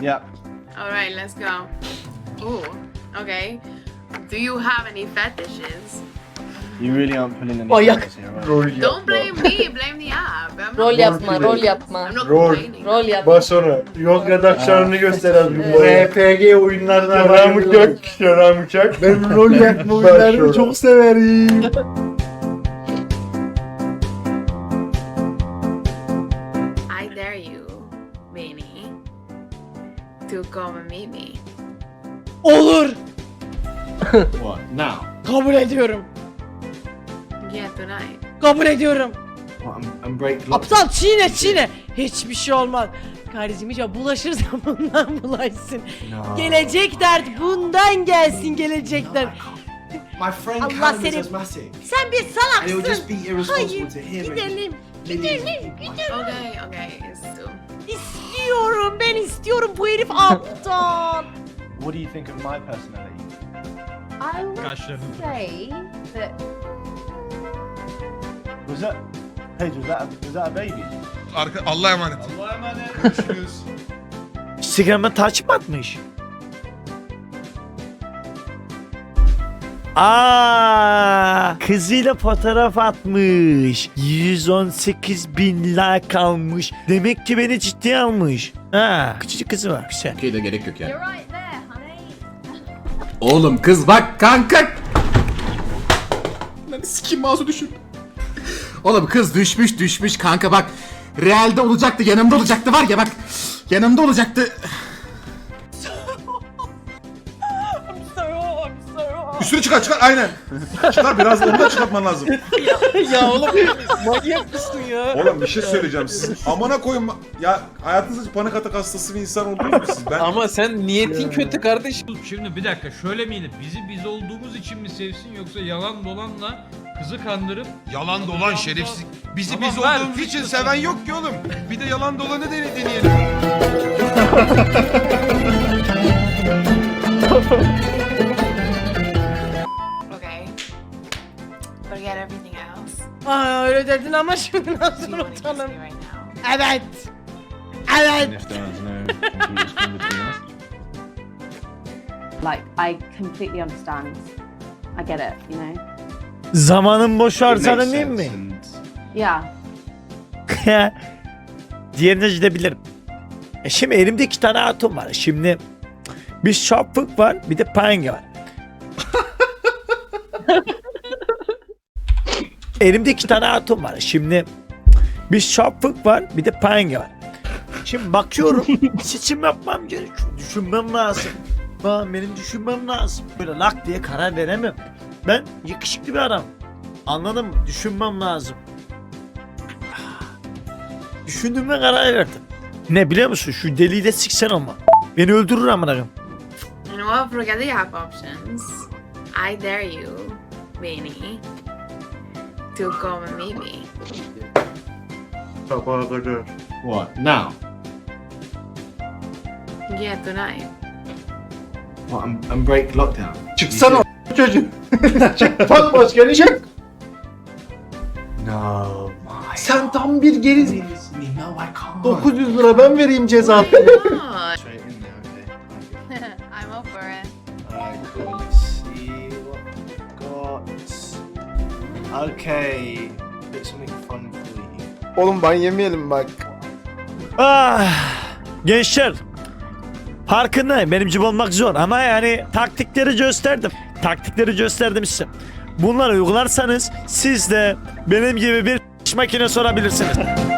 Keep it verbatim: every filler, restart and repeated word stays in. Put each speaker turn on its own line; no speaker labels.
Yep.
All right, let's go. Ooh, okay. Do you have any fetishes?
You really aren't pulling any
Manyak.
favors here, right?
Rol
Don't
yapma.
blame me, blame the app. I'm
Rol
not,
yapma,
Rol
rol
I'm
yapma.
not
Rol.
complaining.
Rol yapma.
Bas onu. Yok redaksiyonunu gösteren bir
Evet.
R P G oyunlarına
Yaran
bayılıyorum.
uçak, yaran uçak.
Ben rol yapma
oyunlarını
oyunlarını
çok
çok severim.
I dare you, Vinny, to come and meet me.
Olur.
What? Now?
Kabul ediyorum.
Yeah, tonight.
Kabul ediyorum.
What, I'm, I'm break lock.
Aptal çiğne çiğne. Hiçbir şey olmaz. Kardeşim hiç bulaşırsa bundan bulaşsın.
No.
Gelecek dert bundan gelsin gelecek dert.
My friend
Allah
Callum is
seni-
asthmatic.
Sen bir
And it would just
salaksın.
be irresponsible
Hayır.
to him. and
Gidelim.
millions
Gidelim.
of people.
Gidelim.
Okay, okay, it's two.
İstiyorum. Ben istiyorum. Bu herif aptal.
What do you think of my personality?
I would
Kaşlarını
say that
Was that... Paige, was that a, was that a baby?
Arka Allah'a emanet.
Allah'a emanet. Görüşürüz.
Instagram'a takip mi atmış? Aa, kızıyla fotoğraf atmış. yüz on sekiz bin like almış. Demek ki beni ciddiye almış. Ha, küçücük kızı var. Güzel.
Okey de gerek yok yani.
you're right there, honey.
Oğlum kız bak kanka. Lan sikim mouse'u düşün. Oğlum kız düşmüş düşmüş kanka bak. Realde olacaktı yanımda olacaktı var ya bak. Yanımda olacaktı.
Üstünü çıkar çıkar aynen. Çıkar biraz onu da çıkartman lazım.
Ya oğlum manyak mısın ya?
Oğlum bir şey söyleyeceğim siz. Amına koyun ya hayatınızda hiç panik atak hastası bir insan oldunuz mu siz? Ben
Ama sen niyetin kötü kardeşim.
Şimdi bir dakika şöyle miydi? Bizi biz olduğumuz için mi sevsin yoksa yalan dolanla kızı kandırıp
yalan dolan şerefsiz. Bizi
Tamam,
biz
ver,
olduğumuz
fix
için
lütfen.
seven yok ki oğlum. Bir de yalan dolanı dene- deneyelim.
Okay. Forget everything else.
Aa öyle dedin ama şimdi
You
nasıl
wanna kiss me
unutalım?
right now?
Evet.
And
Evet.
if there's no computers come between us.
Like, I completely understand. I get it, you know?
Zamanın boş
It makes
harcanır değil
sense
mi?
and-
Yeah.
Diğerine gidebilirim. E şimdi elimde iki tane atom var. Şimdi bir şapık var, bir de penge var. Elimde iki tane atom var. Şimdi bir şapık var, bir de penge var. Şimdi bakıyorum, seçim yapmam gerekiyor. Düşünmem lazım. Aa, benim düşünmem lazım. Böyle lak diye karar veremem. Ben yakışıklı bir adam. Anladın mı? Düşünmem lazım. Düşündüğüme karar verdim. Ne biliyor musun? Şu deliği de siksen ama. Beni öldürür amına koyayım.
You know what? Forget the app options. I dare you, Vinny, to come and meet me.
Sabaha kadar.
What? Now?
Yeah, tonight.
What? I'm, I'm break lockdown.
Çıksana o çocuk. Çık bak maskeni çık.
No, my.
Sen tam bir geri...
Me, no, I can't.
dokuz yüz lira ben vereyim ceza.
Why not?
Straight in there, okay. Thank you.
I'm up for it.
Alright, cool. Let's see what we've got. Okay. Bit something fun for you.
Oğlum ban yemeyelim bak. Ah, gençler. Farkındayım benim gibi olmak zor ama yani taktikleri gösterdim. Taktikleri gösterdim size. Bunları uygularsanız siz de benim gibi bir makinesi olabilirsiniz.